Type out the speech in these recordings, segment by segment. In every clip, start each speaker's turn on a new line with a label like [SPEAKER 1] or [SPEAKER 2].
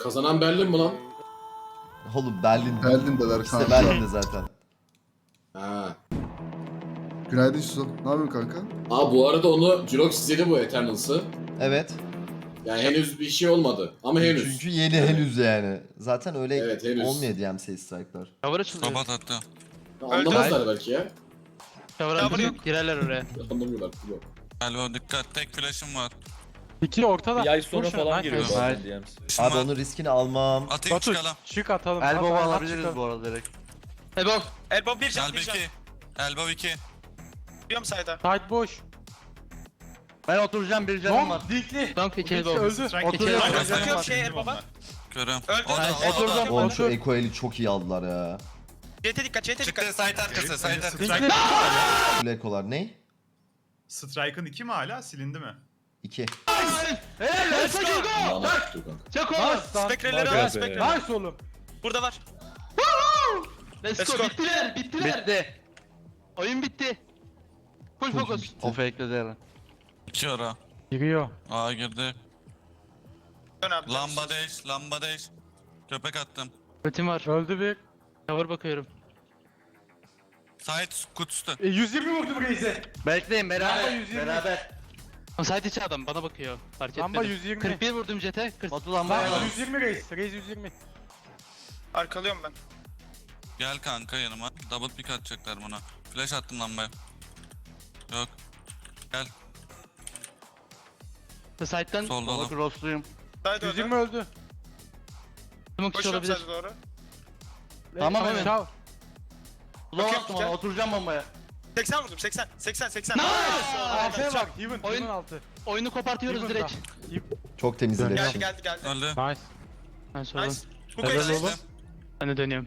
[SPEAKER 1] Kazanan Berlin mi lan?
[SPEAKER 2] Oğlum Berlin.
[SPEAKER 3] Berlin'deler
[SPEAKER 2] İkisi de
[SPEAKER 3] kanka.
[SPEAKER 2] Berlin'de zaten.
[SPEAKER 1] Ha.
[SPEAKER 3] Günaydın Yusuf. Ne yapıyorsun kanka?
[SPEAKER 1] Aa bu arada onu Jurox istedi bu Eternals'ı.
[SPEAKER 2] Evet.
[SPEAKER 1] Yani henüz bir şey olmadı ama henüz.
[SPEAKER 2] Çünkü yeni henüz yani. Zaten öyle
[SPEAKER 1] Evet, henüz.
[SPEAKER 2] olmuyor DMC strike'lar.
[SPEAKER 4] Cover açılıyor.
[SPEAKER 5] Robot attı.
[SPEAKER 1] Anlamazlar belki ya.
[SPEAKER 4] Cover açılıyor. Girerler oraya.
[SPEAKER 1] Anlamıyorlar. Yok.
[SPEAKER 5] Elbow dikkat. Tek flash'ım var.
[SPEAKER 6] İki ortada.
[SPEAKER 7] Bir ay sonra
[SPEAKER 6] Vur şunu,
[SPEAKER 7] falan
[SPEAKER 6] nice.
[SPEAKER 7] giriyor
[SPEAKER 6] Nice.
[SPEAKER 7] zaten DMs.
[SPEAKER 5] Flash'ım
[SPEAKER 2] Abi
[SPEAKER 5] var.
[SPEAKER 2] onun riskini almam.
[SPEAKER 5] Atayım
[SPEAKER 6] Batu
[SPEAKER 5] çıkalım.
[SPEAKER 6] çık atalım.
[SPEAKER 8] Elbow'u
[SPEAKER 6] At, at,
[SPEAKER 8] alabiliriz
[SPEAKER 6] çıkalım.
[SPEAKER 8] bu arada direkt.
[SPEAKER 4] Elbow.
[SPEAKER 9] Elbow bir can,
[SPEAKER 5] Elbow
[SPEAKER 9] bir can.
[SPEAKER 5] 2. Elbow 2.
[SPEAKER 9] Biliyorum sayda.
[SPEAKER 6] Tight boş.
[SPEAKER 8] Ben oturacağım bir canım var.
[SPEAKER 6] Long dinkli.
[SPEAKER 4] Donk 2
[SPEAKER 6] Dinkli
[SPEAKER 4] elbow.
[SPEAKER 6] öldü.
[SPEAKER 8] Oturuyorum.
[SPEAKER 5] Strike.
[SPEAKER 8] bir canım
[SPEAKER 9] Bakıyorum
[SPEAKER 8] var.
[SPEAKER 9] şey Elbow'a.
[SPEAKER 5] Körüm.
[SPEAKER 9] Öldü.
[SPEAKER 5] O da, o da.
[SPEAKER 8] Oturdum.
[SPEAKER 2] Oğlum şu Eko eli çok iyi aldılar ya.
[SPEAKER 9] CT dikkat, CT
[SPEAKER 5] Çıktı
[SPEAKER 9] dikkat.
[SPEAKER 5] site arkası. Site arkası.
[SPEAKER 6] Dinkli.
[SPEAKER 2] Bu Eko'lar ne?
[SPEAKER 10] Strike'ın 2 mi hala? Silindi mi?
[SPEAKER 2] 2.
[SPEAKER 9] Let's go.
[SPEAKER 1] Bana tuttu kanka.
[SPEAKER 4] Çek oğlum.
[SPEAKER 9] Spekreleri
[SPEAKER 7] Bak
[SPEAKER 9] al,
[SPEAKER 7] be.
[SPEAKER 9] spekreleri.
[SPEAKER 6] Nice oğlum.
[SPEAKER 9] Burada var.
[SPEAKER 4] Let's
[SPEAKER 9] Let's
[SPEAKER 4] go.
[SPEAKER 9] go.
[SPEAKER 4] Bittiler. Bittiler.
[SPEAKER 8] Bitti.
[SPEAKER 4] Oyun bitti. Full focus.
[SPEAKER 8] O fake'ledi Eren.
[SPEAKER 5] 2 ara.
[SPEAKER 6] Giriyor.
[SPEAKER 5] Aa girdi.
[SPEAKER 9] Dön abi.
[SPEAKER 5] Lamba değiş. Lamba değiş. Köpek attım.
[SPEAKER 4] Ultim var.
[SPEAKER 6] Öldü bir.
[SPEAKER 4] Cover bakıyorum.
[SPEAKER 5] Site kutusu.
[SPEAKER 6] 120 vurdum Reis'e.
[SPEAKER 8] Bekleyin
[SPEAKER 6] Lamba
[SPEAKER 8] beraber.
[SPEAKER 6] 120.
[SPEAKER 8] Beraber.
[SPEAKER 4] Side içi adam bana bakıyor. Fark
[SPEAKER 6] Lamba
[SPEAKER 4] etmedim.
[SPEAKER 6] 120.
[SPEAKER 4] 41 vurdum jete. 40.
[SPEAKER 8] Batu lambaya
[SPEAKER 6] Lamba
[SPEAKER 8] bak.
[SPEAKER 6] 120 Reis. Reis 120.
[SPEAKER 9] Arkalıyorum ben.
[SPEAKER 5] Gel kanka yanıma. Double pick atacaklar buna. Flash attım lambaya. Yok. Gel.
[SPEAKER 4] Side'den
[SPEAKER 5] Solda
[SPEAKER 8] Baba
[SPEAKER 5] oğlum.
[SPEAKER 8] crossluyum.
[SPEAKER 9] Sayda
[SPEAKER 6] 120
[SPEAKER 9] öldü.
[SPEAKER 6] öldü.
[SPEAKER 4] smoke içi
[SPEAKER 9] Koşuyorum
[SPEAKER 4] olabilir.
[SPEAKER 9] sayda doğru.
[SPEAKER 8] Tamam,
[SPEAKER 6] Reis,
[SPEAKER 8] evet.
[SPEAKER 6] çal.
[SPEAKER 8] Slow
[SPEAKER 9] Bakıyorum,
[SPEAKER 8] attım ona
[SPEAKER 9] güzel.
[SPEAKER 8] oturacağım bombaya.
[SPEAKER 9] 80 vurdum, 80. 80, 80.
[SPEAKER 6] AF'ye bak. Heaven.
[SPEAKER 4] Oyun-
[SPEAKER 6] Heaven altı.
[SPEAKER 4] Oyunu kopartıyoruz
[SPEAKER 6] Heaven
[SPEAKER 4] direkt.
[SPEAKER 6] da.
[SPEAKER 2] Çok temizledim.
[SPEAKER 9] Geldi, geldi, geldi.
[SPEAKER 5] Öldü.
[SPEAKER 6] Nice.
[SPEAKER 4] Ben oğlum.
[SPEAKER 9] Nice. Bu
[SPEAKER 6] Helal
[SPEAKER 9] kayısı.
[SPEAKER 6] oğlum.
[SPEAKER 4] Ben de dönüyorum.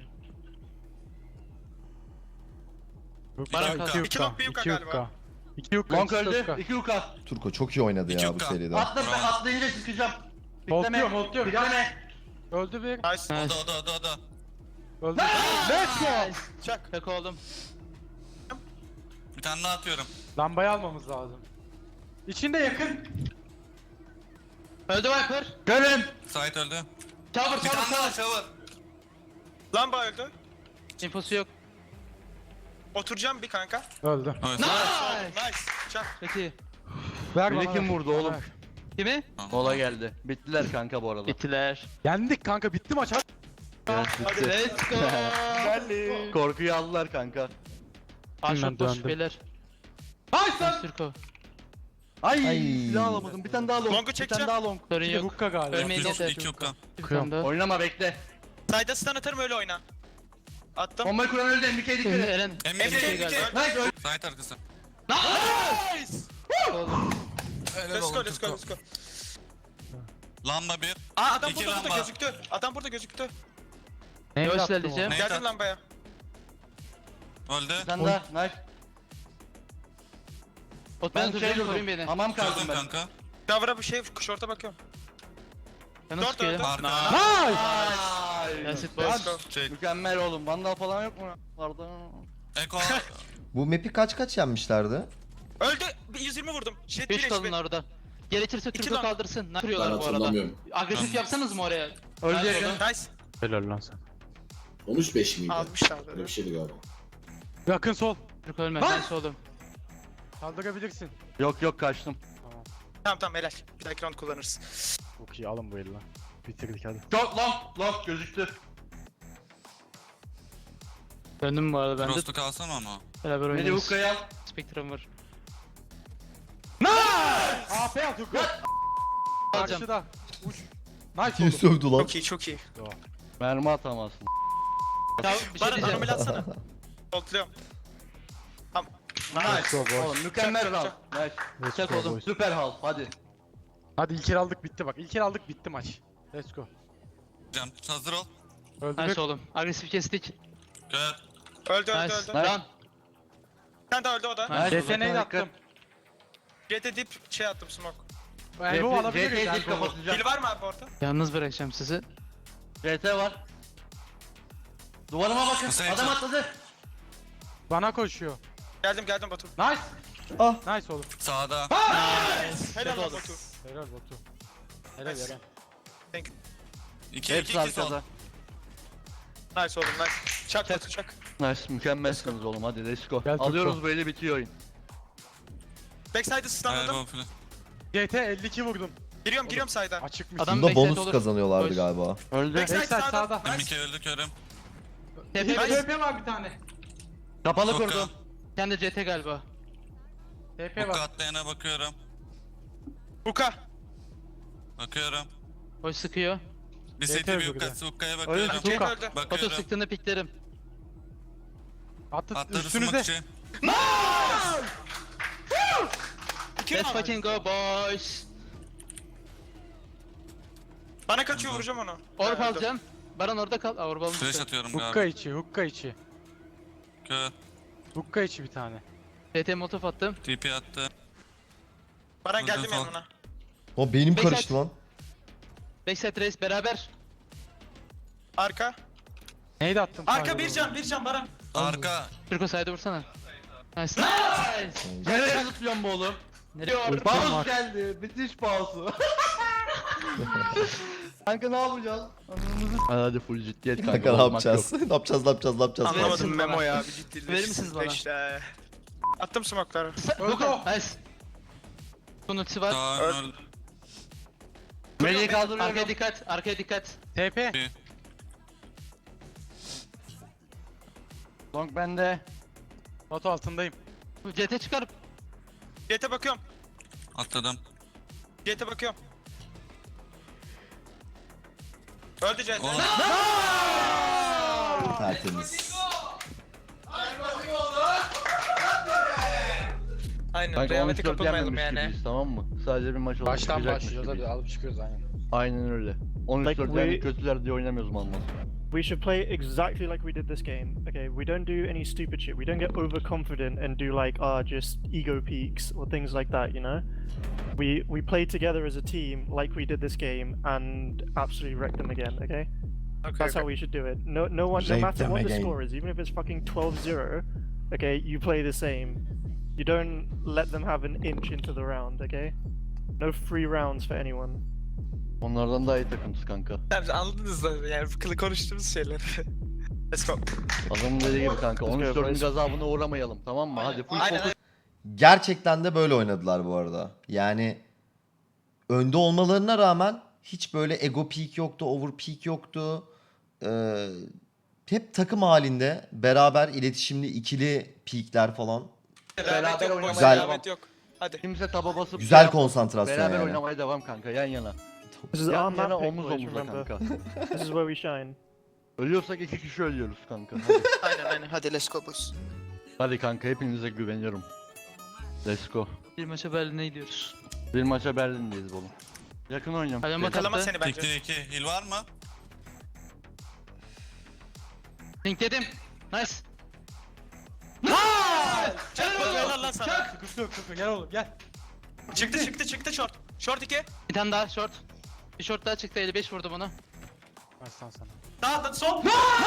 [SPEAKER 4] Bana
[SPEAKER 5] İki
[SPEAKER 4] kalk.
[SPEAKER 5] yuka.
[SPEAKER 9] İki long, bir yuka galiba.
[SPEAKER 6] 2 yukka.
[SPEAKER 8] Long
[SPEAKER 6] ikisi
[SPEAKER 8] öldü.
[SPEAKER 6] yukka.
[SPEAKER 8] 2 yuka.
[SPEAKER 2] Turko çok iyi oynadı ya bu
[SPEAKER 5] 2K.
[SPEAKER 2] seride.
[SPEAKER 8] Atla ben
[SPEAKER 5] Bravo.
[SPEAKER 8] atlayınca çıkacağım.
[SPEAKER 6] Voltluyorum, voltluyorum.
[SPEAKER 8] Bitleme.
[SPEAKER 6] Öldü bir.
[SPEAKER 9] Nice.
[SPEAKER 5] O da o da o da o da.
[SPEAKER 6] Öldü. Let's go.
[SPEAKER 9] Çak.
[SPEAKER 4] Tek oldum.
[SPEAKER 5] Bir tane daha atıyorum.
[SPEAKER 6] Lambayı almamız lazım. İçinde yakın.
[SPEAKER 4] Öldü Viper.
[SPEAKER 8] Görün.
[SPEAKER 5] Site öldü.
[SPEAKER 4] Cover
[SPEAKER 5] Bir tane daha
[SPEAKER 4] cover.
[SPEAKER 5] shower.
[SPEAKER 9] Lamba öldü.
[SPEAKER 4] İnfosu yok.
[SPEAKER 9] Oturacağım bir kanka.
[SPEAKER 6] Öldü.
[SPEAKER 5] Evet.
[SPEAKER 9] Nice. Çak.
[SPEAKER 4] Çok iyi.
[SPEAKER 6] Ver
[SPEAKER 8] Biri
[SPEAKER 6] bana,
[SPEAKER 8] kim
[SPEAKER 6] ver.
[SPEAKER 8] vurdu
[SPEAKER 6] Bana
[SPEAKER 8] oğlum?
[SPEAKER 6] ver.
[SPEAKER 4] Kimi?
[SPEAKER 8] Mola geldi. Bittiler kanka bu arada.
[SPEAKER 4] Bittiler.
[SPEAKER 6] Yendik kanka, bitti maç. Hadi.
[SPEAKER 8] Evet, bitti.
[SPEAKER 4] Let's go.
[SPEAKER 8] Korkuyu aldılar kanka.
[SPEAKER 4] Aşağı boş
[SPEAKER 6] döndüm.
[SPEAKER 4] beyler.
[SPEAKER 6] Nice lan.
[SPEAKER 4] Türko.
[SPEAKER 8] Ay,
[SPEAKER 2] Ay.
[SPEAKER 8] silah alamadım. Bir tane daha long.
[SPEAKER 9] Long'u
[SPEAKER 8] Bir tane
[SPEAKER 9] çekeceğim.
[SPEAKER 8] daha long.
[SPEAKER 4] Sorun
[SPEAKER 6] Bir de
[SPEAKER 4] yok.
[SPEAKER 6] hukka galiba.
[SPEAKER 4] Ölmeyin
[SPEAKER 5] İki
[SPEAKER 4] yeter.
[SPEAKER 5] yukka.
[SPEAKER 4] Bir tane daha.
[SPEAKER 8] Oynama bekle.
[SPEAKER 9] Sayda stun atarım öyle oyna. Attım.
[SPEAKER 8] Bombayı kuran öldü. MBK'ye dikkat et.
[SPEAKER 4] Eren.
[SPEAKER 5] Emre
[SPEAKER 9] Emre,
[SPEAKER 4] şey
[SPEAKER 9] Emre.
[SPEAKER 4] galiba.
[SPEAKER 8] Nice öldü.
[SPEAKER 5] Site arkası.
[SPEAKER 4] Oğlum.
[SPEAKER 9] Let's go, let's go, let's go.
[SPEAKER 5] Lamba 1.
[SPEAKER 9] Aa adam
[SPEAKER 5] İki
[SPEAKER 9] burada
[SPEAKER 5] lamba.
[SPEAKER 9] gözüktü. Adam burada gözüktü.
[SPEAKER 6] Ne
[SPEAKER 4] Yavaş
[SPEAKER 6] yaptım
[SPEAKER 4] ilerleyeceğim.
[SPEAKER 5] Ne?
[SPEAKER 9] Geldim lambaya.
[SPEAKER 5] Öldü.
[SPEAKER 8] Bir tane daha. Nice.
[SPEAKER 4] Ot
[SPEAKER 8] Ben
[SPEAKER 4] ben
[SPEAKER 8] şey
[SPEAKER 4] tutacağım
[SPEAKER 8] durdum.
[SPEAKER 4] koruyun beni.
[SPEAKER 8] Hamam kaldım
[SPEAKER 5] Çözdüm
[SPEAKER 8] ben.
[SPEAKER 5] kanka.
[SPEAKER 9] Cover'a bir şey, şorta bakıyorum.
[SPEAKER 4] Ben nasıl
[SPEAKER 9] Dört öldü.
[SPEAKER 4] sıkıyorum?
[SPEAKER 5] Arka.
[SPEAKER 6] Nice.
[SPEAKER 4] Yasit
[SPEAKER 9] Let's
[SPEAKER 4] boş.
[SPEAKER 9] go.
[SPEAKER 5] Çek.
[SPEAKER 8] Mükemmel oğlum. Vandal falan yok mu? Vardı.
[SPEAKER 5] Eko.
[SPEAKER 2] Bu map'i kaç yenmişlerdi?
[SPEAKER 9] Öldü. Bir 120 vurdum. Jet
[SPEAKER 4] 3
[SPEAKER 9] bir
[SPEAKER 4] kalın
[SPEAKER 9] HP.
[SPEAKER 4] orada. Gerekirse
[SPEAKER 9] İki
[SPEAKER 4] Türko
[SPEAKER 9] lan.
[SPEAKER 4] kaldırsın. Ne
[SPEAKER 1] Ben
[SPEAKER 4] yapıyorlar bu arada?
[SPEAKER 1] hatırlamıyorum.
[SPEAKER 4] Agresif yapsanız mı oraya?
[SPEAKER 8] Öldü
[SPEAKER 4] Nice
[SPEAKER 8] yakın.
[SPEAKER 4] oğlum.
[SPEAKER 9] Nice.
[SPEAKER 6] Helal lan sen.
[SPEAKER 1] 13-5 miydi?
[SPEAKER 9] Almışlar
[SPEAKER 1] Öyle bir şeydi galiba.
[SPEAKER 6] Yakın sol.
[SPEAKER 4] Türko ölme.
[SPEAKER 6] Lan!
[SPEAKER 4] Nice oğlum.
[SPEAKER 6] Kaldırabilirsin.
[SPEAKER 8] Yok yok kaçtım.
[SPEAKER 9] Tamam tamam helal. Bir dahaki round kullanırız.
[SPEAKER 6] Çok iyi, alın bu eli lan. Bitirdik hadi.
[SPEAKER 8] Çok long gözüktü.
[SPEAKER 4] Döndüm bu arada ben de.
[SPEAKER 5] Frost'u kalsam ama.
[SPEAKER 4] Beraber
[SPEAKER 8] Beni
[SPEAKER 4] oynarız.
[SPEAKER 8] hukkaya al.
[SPEAKER 4] Spectrum var.
[SPEAKER 6] AP at hukka.
[SPEAKER 4] Alacağım.
[SPEAKER 6] Karşıda. Uç. Nice
[SPEAKER 2] Kim
[SPEAKER 6] oldu.
[SPEAKER 2] sövdü lan?
[SPEAKER 9] Çok iyi çok iyi.
[SPEAKER 8] Mermi atamazsın.
[SPEAKER 4] Ya bir şey
[SPEAKER 9] Bana
[SPEAKER 4] diyeceğim.
[SPEAKER 9] anomali atsana. Voltluyorum. Tamam.
[SPEAKER 8] Nice.
[SPEAKER 6] Go boys.
[SPEAKER 8] Oğlum mükemmel
[SPEAKER 9] Çak,
[SPEAKER 8] round.
[SPEAKER 9] çak.
[SPEAKER 8] Nice.
[SPEAKER 6] Let's
[SPEAKER 4] Çak
[SPEAKER 6] go
[SPEAKER 4] oğlum.
[SPEAKER 6] boys.
[SPEAKER 8] Süper hal. Hadi.
[SPEAKER 6] Hadi ilk el aldık, bitti bak. İlk el aldık, bitti maç. Let's go.
[SPEAKER 5] Can hazır ol.
[SPEAKER 6] Öldü.
[SPEAKER 4] Nice oğlum. Agresif kestik.
[SPEAKER 5] Gel.
[SPEAKER 9] Öldü öldü
[SPEAKER 4] Nice.
[SPEAKER 9] öldü.
[SPEAKER 4] Run.
[SPEAKER 9] Bir tane daha öldü o da.
[SPEAKER 4] Nice.
[SPEAKER 6] Yeteneği de attım.
[SPEAKER 9] Jet'e dip şey attım smoke.
[SPEAKER 6] Elbow alabiliriz.
[SPEAKER 8] CT'yi dik
[SPEAKER 6] Elbow.
[SPEAKER 8] kapatacağım.
[SPEAKER 9] Pil var mı abi orada?
[SPEAKER 4] Yalnız bırakacağım sizi.
[SPEAKER 8] CT var. Duvarıma bakın.
[SPEAKER 5] Hüseyin
[SPEAKER 8] Adam
[SPEAKER 5] sen-
[SPEAKER 8] atladı.
[SPEAKER 6] Bana koşuyor.
[SPEAKER 9] Geldim Batu.
[SPEAKER 6] Nice.
[SPEAKER 2] Ah.
[SPEAKER 6] Nice oğlum.
[SPEAKER 5] Sağda.
[SPEAKER 9] Helal lan Batu.
[SPEAKER 6] Helal Batu. Helal
[SPEAKER 9] Nice.
[SPEAKER 6] Eren.
[SPEAKER 5] 2
[SPEAKER 8] Hepsi
[SPEAKER 5] 2 2 sol.
[SPEAKER 8] arkada.
[SPEAKER 9] Nice oğlum nice. Çak Batu çak.
[SPEAKER 8] Nice mükemmelsiniz oğlum hadi let's go.
[SPEAKER 6] Gel,
[SPEAKER 8] Alıyoruz
[SPEAKER 6] Turko.
[SPEAKER 8] bu eli bitiyor oyun.
[SPEAKER 9] Backside'ı
[SPEAKER 5] Evet
[SPEAKER 9] stunladım.
[SPEAKER 5] bu flash.
[SPEAKER 6] GT 52 vurdum.
[SPEAKER 9] Giriyorum side'a.
[SPEAKER 6] Açıkmış.
[SPEAKER 4] Adam
[SPEAKER 2] Bunda
[SPEAKER 4] backside
[SPEAKER 2] bonus
[SPEAKER 4] olur.
[SPEAKER 2] kazanıyorlardı
[SPEAKER 4] Boş.
[SPEAKER 2] galiba.
[SPEAKER 8] Öldü.
[SPEAKER 9] Backside
[SPEAKER 6] Backside
[SPEAKER 9] sağda.
[SPEAKER 6] sağda.
[SPEAKER 5] Ben Mike öldü körüm.
[SPEAKER 4] TP
[SPEAKER 9] Nice.
[SPEAKER 6] var bir tane.
[SPEAKER 8] Kapalı
[SPEAKER 5] Hook'a.
[SPEAKER 8] kurdum.
[SPEAKER 4] kendi CT galiba.
[SPEAKER 6] TP
[SPEAKER 5] Hook'a
[SPEAKER 6] var.
[SPEAKER 5] atlayana bakıyorum.
[SPEAKER 9] Buka.
[SPEAKER 5] Bakıyorum.
[SPEAKER 4] Hoş sıkıyor.
[SPEAKER 5] Bir
[SPEAKER 6] Yeter
[SPEAKER 5] CT bir
[SPEAKER 6] bu
[SPEAKER 5] Hook'a.
[SPEAKER 6] kadar.
[SPEAKER 5] Hook'a'ya
[SPEAKER 8] Öyle
[SPEAKER 5] bakıyorum.
[SPEAKER 9] CT
[SPEAKER 6] Buka.
[SPEAKER 9] öldü.
[SPEAKER 4] Batu
[SPEAKER 5] Bakıyorum.
[SPEAKER 4] sıktığında piklerim.
[SPEAKER 6] Attı
[SPEAKER 5] Atladı
[SPEAKER 6] üstünüze.
[SPEAKER 5] smoke için.
[SPEAKER 4] Let's fucking go boys.
[SPEAKER 9] Bana kaçıyor vuracağım onu.
[SPEAKER 4] Orb
[SPEAKER 9] Öldü.
[SPEAKER 4] alacağım. Baran orada kal. Orb
[SPEAKER 5] Flash
[SPEAKER 4] almıştı.
[SPEAKER 5] atıyorum
[SPEAKER 6] Hukka
[SPEAKER 5] galiba.
[SPEAKER 6] içi, hukka içi.
[SPEAKER 5] Kör.
[SPEAKER 6] Hukka içi bir tane.
[SPEAKER 4] CT motof attım.
[SPEAKER 5] TP attı.
[SPEAKER 9] Baran
[SPEAKER 5] Vurdum
[SPEAKER 9] geldim
[SPEAKER 5] sol.
[SPEAKER 9] yanına.
[SPEAKER 2] O beynim
[SPEAKER 4] Backside.
[SPEAKER 2] karıştı lan.
[SPEAKER 4] Backside race beraber.
[SPEAKER 9] Arka.
[SPEAKER 6] Neydi attım?
[SPEAKER 9] Arka bir can Baran.
[SPEAKER 5] Arka.
[SPEAKER 4] Türko side'e vursana. Nice. Nice.
[SPEAKER 8] Nereye zıplıyorsun bu oğlum?
[SPEAKER 4] Nereye?
[SPEAKER 8] Paus geldi. Bitiş pausu. Kanka ne yapacağız? Hadi full ciddiyet kanka.
[SPEAKER 2] Kanka ne
[SPEAKER 8] bozmak
[SPEAKER 2] yapacağız? Ne yapacağız? Ne yapacağız? Ne yapacağız?
[SPEAKER 4] Anlamadım.
[SPEAKER 9] Anlamadım
[SPEAKER 4] Verir misiniz
[SPEAKER 9] Memo
[SPEAKER 4] bana?
[SPEAKER 9] ya. Bir ciddi.
[SPEAKER 4] Verir misiniz bana?
[SPEAKER 9] İşte. Attım smoke'ları.
[SPEAKER 4] Luka. Nice. Bunun ultisi var.
[SPEAKER 5] Kaan
[SPEAKER 9] Öl-
[SPEAKER 5] öldü.
[SPEAKER 8] Meleği kaldırıyorum.
[SPEAKER 4] Arkaya dikkat. Arkaya dikkat.
[SPEAKER 6] TP.
[SPEAKER 8] Long bende.
[SPEAKER 6] Batu altındayım.
[SPEAKER 4] CT çıkarıp.
[SPEAKER 9] GT bakıyorum.
[SPEAKER 5] Atladım.
[SPEAKER 9] GT bakıyorum. Öldü GT.
[SPEAKER 5] Oğlum.
[SPEAKER 2] Tertemiz.
[SPEAKER 9] Aynen.
[SPEAKER 8] Kanka
[SPEAKER 9] Rehavete
[SPEAKER 8] 13-4
[SPEAKER 9] kapılmayalım
[SPEAKER 8] yenmemiş
[SPEAKER 9] yani.
[SPEAKER 8] gibiyiz tamam mı? Sadece bir maç olup
[SPEAKER 6] Baştan
[SPEAKER 8] çıkacakmış
[SPEAKER 6] başlıyoruz
[SPEAKER 8] gibiyiz.
[SPEAKER 6] hadi alıp çıkıyoruz aynen.
[SPEAKER 8] Aynen öyle. 13-4
[SPEAKER 7] Like
[SPEAKER 8] yani
[SPEAKER 7] we-
[SPEAKER 8] kötüler diye oynamıyoruz mal mal.
[SPEAKER 7] We should play exactly like we did this game. Okay, we don't do any stupid shit. We don't get overconfident and do like just ego peaks or things like that. You know, we play together as a team like we did this game and absolutely wreck them again. Okay, that's how we should do it. No one, no
[SPEAKER 2] Rape
[SPEAKER 7] matter
[SPEAKER 2] them
[SPEAKER 7] what the
[SPEAKER 2] again.
[SPEAKER 7] score is, even if it's fucking 12-0. Okay, you play the same. You don't let them have an inch into the round. Okay, no free rounds for anyone.
[SPEAKER 8] Onlardan daha iyi takımız kanka.
[SPEAKER 9] Tabii anladınız da yani konuştuğumuz şeyler. Let's go.
[SPEAKER 8] Adamın dediği gibi kanka.
[SPEAKER 7] Let's go,
[SPEAKER 8] 13-4'ün
[SPEAKER 7] boys.
[SPEAKER 8] gazabına uğramayalım tamam mı? Hadi full
[SPEAKER 9] Aynen,
[SPEAKER 8] fokus.
[SPEAKER 2] Gerçekten de böyle oynadılar bu arada. Yani önde olmalarına rağmen hiç böyle ego peak yoktu, over peak yoktu. Hep takım halinde beraber iletişimli ikili peakler falan.
[SPEAKER 9] Rehavet yok.
[SPEAKER 8] oynamaya
[SPEAKER 2] Güzel.
[SPEAKER 9] Rehavet yok. Hadi.
[SPEAKER 8] Kimse taba basıp
[SPEAKER 2] Güzel
[SPEAKER 8] şey yapmasın.
[SPEAKER 2] konsantrasyon
[SPEAKER 8] Beraber
[SPEAKER 2] yani.
[SPEAKER 8] oynamaya devam kanka yan yana.
[SPEAKER 7] This is
[SPEAKER 8] Yan
[SPEAKER 7] our
[SPEAKER 8] yana
[SPEAKER 7] map pick,
[SPEAKER 8] omuz
[SPEAKER 7] boys,
[SPEAKER 8] omuza
[SPEAKER 7] remember.
[SPEAKER 8] kanka.
[SPEAKER 7] This is where we shine.
[SPEAKER 8] Ölüyorsak 2 kişi ölüyoruz kanka. Hadi.
[SPEAKER 9] Aynen. Hadi let's go boys.
[SPEAKER 8] Hadi kanka hepinize güveniyorum. Let's go.
[SPEAKER 4] Bir maça Berlin'e gidiyoruz.
[SPEAKER 8] Bir maça Berlin'deyiz oğlum. Yakın oynuyorum.
[SPEAKER 4] Hadi bakalım.
[SPEAKER 9] Kalama seni bence.
[SPEAKER 5] Tikti 2. Heal var mı?
[SPEAKER 4] Link dedim. Nice.
[SPEAKER 9] Çak Batu helal lan sana.
[SPEAKER 6] Sıkıntı yok sıkıntı gel oğlum gel.
[SPEAKER 9] Çıktı short. Short 2.
[SPEAKER 4] Bir tane daha short. Bir short daha çıktı 55 vurdum ona.
[SPEAKER 6] Baştan sana.
[SPEAKER 9] Daha sol.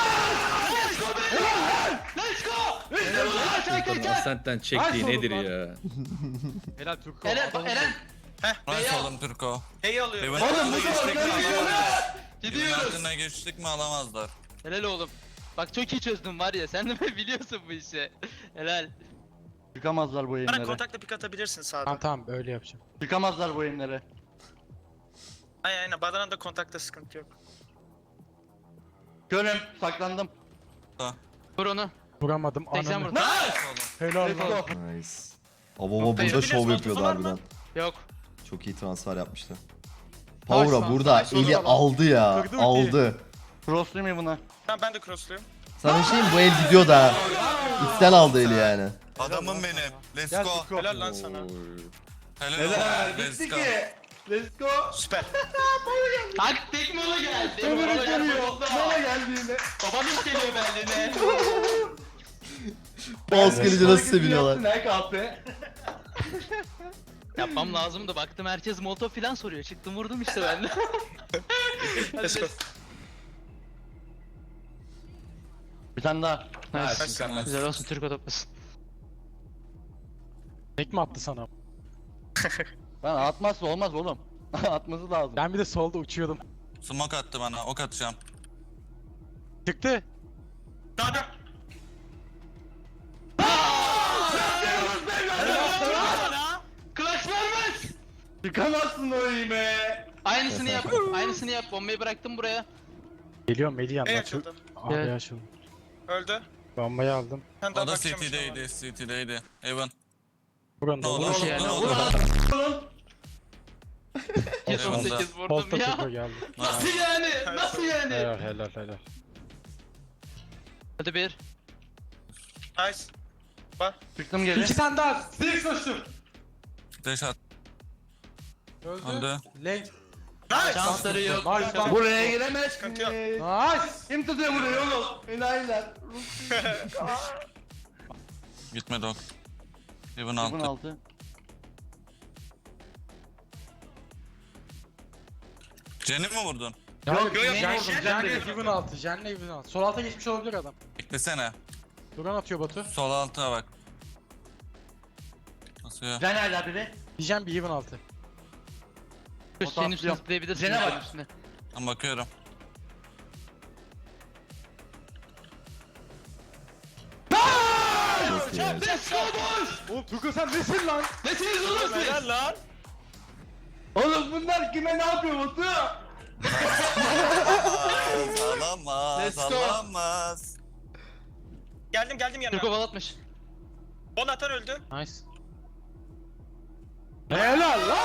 [SPEAKER 11] Ascent'ten çektiği
[SPEAKER 6] Nice
[SPEAKER 11] nedir
[SPEAKER 6] oğlum
[SPEAKER 11] ya?
[SPEAKER 6] Helal Turko.
[SPEAKER 4] Eren, Eren.
[SPEAKER 5] Nice oğlum Türko.
[SPEAKER 9] Heyi alıyorum.
[SPEAKER 5] Evin altına geçtik mi alamazlar. Evin
[SPEAKER 4] Gidiyoruz.
[SPEAKER 5] altına geçtik mi alamazlar.
[SPEAKER 4] Helal oğlum. Bak çok iyi çözdüm var ya sen de biliyorsun bu işi. Helal.
[SPEAKER 8] Çıkamazlar bu
[SPEAKER 9] Bana
[SPEAKER 8] yayınlara.
[SPEAKER 9] kontakla pik atabilirsin sağdan.
[SPEAKER 6] Tamam tamam öyle yapacağım.
[SPEAKER 8] Çıkamazlar bu yayınlara.
[SPEAKER 9] Aynen. Badana'da kontakta sıkıntı yok.
[SPEAKER 8] Görün saklandım.
[SPEAKER 4] Vur onu.
[SPEAKER 6] Vuramadım
[SPEAKER 4] 80
[SPEAKER 6] ananı.
[SPEAKER 4] vurdum.
[SPEAKER 6] Helal
[SPEAKER 8] Let's
[SPEAKER 6] lan.
[SPEAKER 8] go.
[SPEAKER 2] Nice. Baba burada
[SPEAKER 9] Yapabiliriz,
[SPEAKER 2] şov
[SPEAKER 9] mantıklı
[SPEAKER 2] yapıyordu
[SPEAKER 9] var mı?
[SPEAKER 2] harbiden.
[SPEAKER 4] Yok.
[SPEAKER 2] Çok iyi transfer yapmıştı. Power'a
[SPEAKER 6] Nice,
[SPEAKER 2] burada
[SPEAKER 9] nice
[SPEAKER 2] eli
[SPEAKER 9] oldu.
[SPEAKER 2] aldı ya.
[SPEAKER 6] Kırdı
[SPEAKER 2] Aldı.
[SPEAKER 8] Crosslayayım mı buna?
[SPEAKER 9] Tamam ben de crossluyum.
[SPEAKER 2] Sana bir şey mi? Bu el gidiyor da. İçten aldı eli yani.
[SPEAKER 5] Adamım benim. Let's
[SPEAKER 8] Gel
[SPEAKER 5] go.
[SPEAKER 8] Turko.
[SPEAKER 9] Helal lan sana.
[SPEAKER 5] Helal
[SPEAKER 8] Helal.
[SPEAKER 5] olsun. Let's
[SPEAKER 8] Bitti
[SPEAKER 5] go.
[SPEAKER 8] ki. Let's go.
[SPEAKER 9] Süper.
[SPEAKER 4] Taktik mola geldi.
[SPEAKER 8] Ömür'ü
[SPEAKER 4] Mola geldi.
[SPEAKER 8] görüyor. Bana geldi yine.
[SPEAKER 4] Babanız geliyor Berlin'e.
[SPEAKER 2] Boss gelince nasıl seviniyorlar.
[SPEAKER 8] Ne kahpe?
[SPEAKER 4] Yapmam lazımdı. Baktım herkes molotov falan soruyor. Çıktım vurdum işte ben de.
[SPEAKER 9] Let's go.
[SPEAKER 8] Bir tane daha.
[SPEAKER 4] Nice. Güzel olsun Türk toplasın.
[SPEAKER 6] Tek mi attı sana?
[SPEAKER 8] Ben atmazsa olmaz oğlum. Atması lazım.
[SPEAKER 6] Ben bir de solda uçuyordum.
[SPEAKER 5] Smoke attı bana. Ok atacağım.
[SPEAKER 6] Çıktı.
[SPEAKER 10] Kanka.
[SPEAKER 4] Clutch vermez.
[SPEAKER 11] Çıkamazsın orayı be.
[SPEAKER 4] Aynısını yap. Aynısını yap. Bombayı bıraktım buraya.
[SPEAKER 6] Geliyorum Melih
[SPEAKER 9] E
[SPEAKER 6] yanına.
[SPEAKER 9] açıldı.
[SPEAKER 6] Abi
[SPEAKER 4] Gel.
[SPEAKER 6] açıldı.
[SPEAKER 9] Öldü.
[SPEAKER 6] Bombayı aldım.
[SPEAKER 9] Ben daha
[SPEAKER 5] O da
[SPEAKER 9] bakacağım
[SPEAKER 5] CT'deydi. CT'deydi. Evan.
[SPEAKER 6] Buranın
[SPEAKER 5] Ne oldu?
[SPEAKER 4] Vur
[SPEAKER 5] Ne
[SPEAKER 4] yani,
[SPEAKER 5] oldu?
[SPEAKER 4] vur.
[SPEAKER 5] Eyvallah.
[SPEAKER 4] 18 vurdum
[SPEAKER 6] Posta
[SPEAKER 4] ya.
[SPEAKER 6] Tuko geldi.
[SPEAKER 4] Nasıl yani? Nasıl yani?
[SPEAKER 6] Helal.
[SPEAKER 4] Hadi bir.
[SPEAKER 9] Nice.
[SPEAKER 4] Çıktım geri.
[SPEAKER 11] İki tane daha. Six koştum.
[SPEAKER 5] Flash at.
[SPEAKER 11] Öldü.
[SPEAKER 5] Öldü.
[SPEAKER 11] Lane.
[SPEAKER 4] Şansları yok.
[SPEAKER 11] Nice. Buraya giremez.
[SPEAKER 9] Sıkıntı yok.
[SPEAKER 11] Nice. Kim tutuyor burayı oğlum? Enayiler.
[SPEAKER 5] Gitmedi ok. Evan altı. Jenny mi vurdun?
[SPEAKER 6] Yok
[SPEAKER 9] yok,
[SPEAKER 6] Jen
[SPEAKER 9] vurdum,
[SPEAKER 6] Jen Evin altı. Jen Evin altı. Sol alta geçmiş olabilir adam.
[SPEAKER 5] Beklesene.
[SPEAKER 6] Duran atıyor Batu.
[SPEAKER 5] Sol alta bak. Nasıl ya?
[SPEAKER 11] Sen hala biri.
[SPEAKER 6] Diyeceğim bir Evin altı.
[SPEAKER 4] Senin üstüne zıplayabilirsin.
[SPEAKER 11] Jene
[SPEAKER 4] senin
[SPEAKER 11] bak.
[SPEAKER 4] üstüne.
[SPEAKER 5] Ben bakıyorum.
[SPEAKER 2] Çok iyi.
[SPEAKER 6] Oğlum Tuko sen nesin lan?
[SPEAKER 4] Nesiniz oğlum siz?
[SPEAKER 9] Helal lan.
[SPEAKER 11] Oğlum bunlar kime ne yapıyor Batu?
[SPEAKER 5] Alamaz.
[SPEAKER 4] Let's go.
[SPEAKER 5] Alamaz.
[SPEAKER 9] Geldim yanına.
[SPEAKER 4] Türk ovalatmış.
[SPEAKER 9] Bonatan öldü.
[SPEAKER 6] Nice. Helal lan.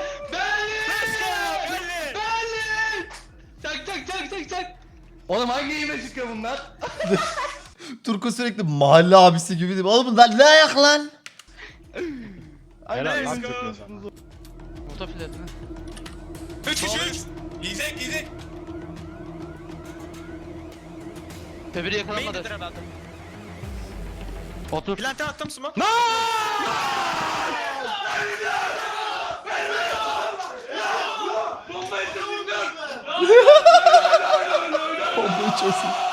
[SPEAKER 4] Berlin! Çak.
[SPEAKER 11] Oğlum hangi yeme çıkıyor bunlar?
[SPEAKER 2] Turko sürekli mahalle abisi gibi değil mi? Oğlum bunlar ne ayak lan?
[SPEAKER 6] Helal lan
[SPEAKER 9] Let's go.
[SPEAKER 6] çıkıyorsun.
[SPEAKER 4] Motofiletini.
[SPEAKER 9] 3 3.
[SPEAKER 5] Yiyecek.
[SPEAKER 4] Tebiri yakalanmadı.
[SPEAKER 9] Main'dedir herhalde.
[SPEAKER 4] Otur.
[SPEAKER 9] Plante attım smoke.
[SPEAKER 2] Bombayı çözün.